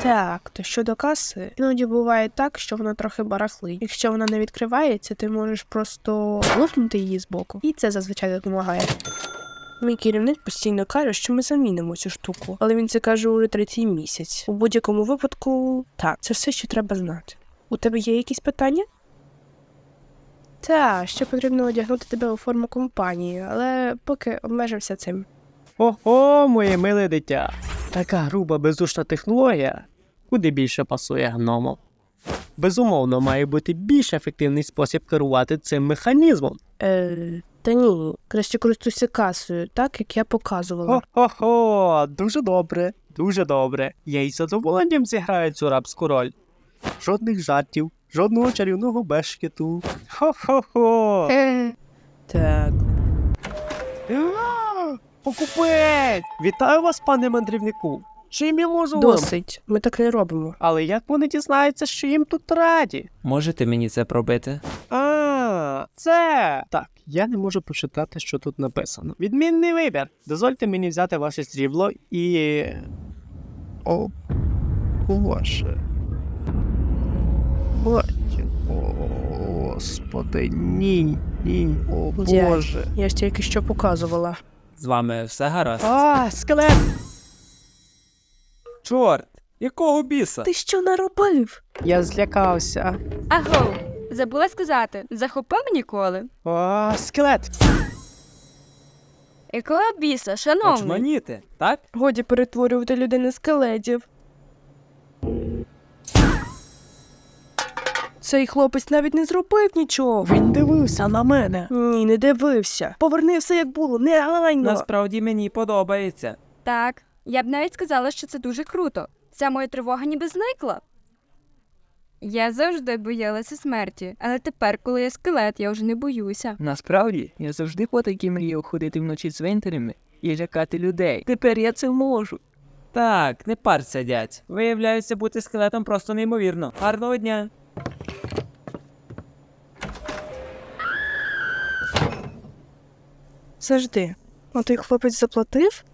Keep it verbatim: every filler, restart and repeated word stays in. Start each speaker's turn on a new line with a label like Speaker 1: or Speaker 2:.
Speaker 1: Так, то щодо каси, іноді буває так, що вона трохи барахлить. Якщо вона не відкривається, ти можеш просто лопнути її збоку. І це зазвичай допомагає. Мій керівник постійно каже, що ми замінимо цю штуку, але він це каже уже третій місяць. У будь-якому випадку, так, це все, що треба знати. У тебе є якісь питання? Так, ще потрібно одягнути тебе у форму компанії, але поки обмежився цим.
Speaker 2: Ого, моє миле дитя. Така груба бездушна технологія куди більше пасує гномам. Безумовно, має бути більш ефективний спосіб керувати цим механізмом.
Speaker 1: Е, та ні, краще користуйся касою, так, як я показувала.
Speaker 2: Хо-хо-хо, дуже добре, дуже добре. Я із задоволенням зіграю цю рабську роль. Жодних жартів, жодного чарівного бешкету. Хо-хо-хо.
Speaker 1: Так.
Speaker 2: А, покупець! Вітаю вас, пане мандрівнику. Чим я можу вам?
Speaker 1: Досить, ми так не робимо.
Speaker 2: Але як вони дізнаються, що їм тут раді?
Speaker 3: Можете мені це пробити?
Speaker 2: А, це... Так, я не можу прочитати, що тут написано. Відмінний вибір. Дозвольте мені взяти ваше срібло і... О, Боже. Боже. О, Господи, ні, ні, о
Speaker 1: Дядь.
Speaker 2: Боже.
Speaker 1: Я ж тільки що показувала.
Speaker 3: З вами все гаразд?
Speaker 2: А, скелет!
Speaker 3: Чорт! Якого біса?
Speaker 1: Ти що наробив?
Speaker 2: Я злякався.
Speaker 4: Аго, забула сказати, захопив ніколи?
Speaker 2: А, скелет!
Speaker 4: Якого біса, шановний?
Speaker 3: Очманіти, так?
Speaker 1: Годі перетворювати людей на скелетів. Цей хлопець навіть не зробив нічого.
Speaker 2: Він дивився на мене.
Speaker 1: Ні, не дивився. Поверни все як було, негайно.
Speaker 3: Насправді мені подобається.
Speaker 4: Так, я б навіть сказала, що це дуже круто. Ця моя тривога ніби зникла. Я завжди боялася смерті, але тепер, коли я скелет, я вже не боюся.
Speaker 5: Насправді, я завжди по такій мріяв ходити вночі цвинтарями і лякати людей. Тепер я це можу.
Speaker 3: Так, не парся, дядь. Виявляється, бути скелетом просто неймовірно. Гарного дня.
Speaker 1: Завжди. А той хлопець заплатив?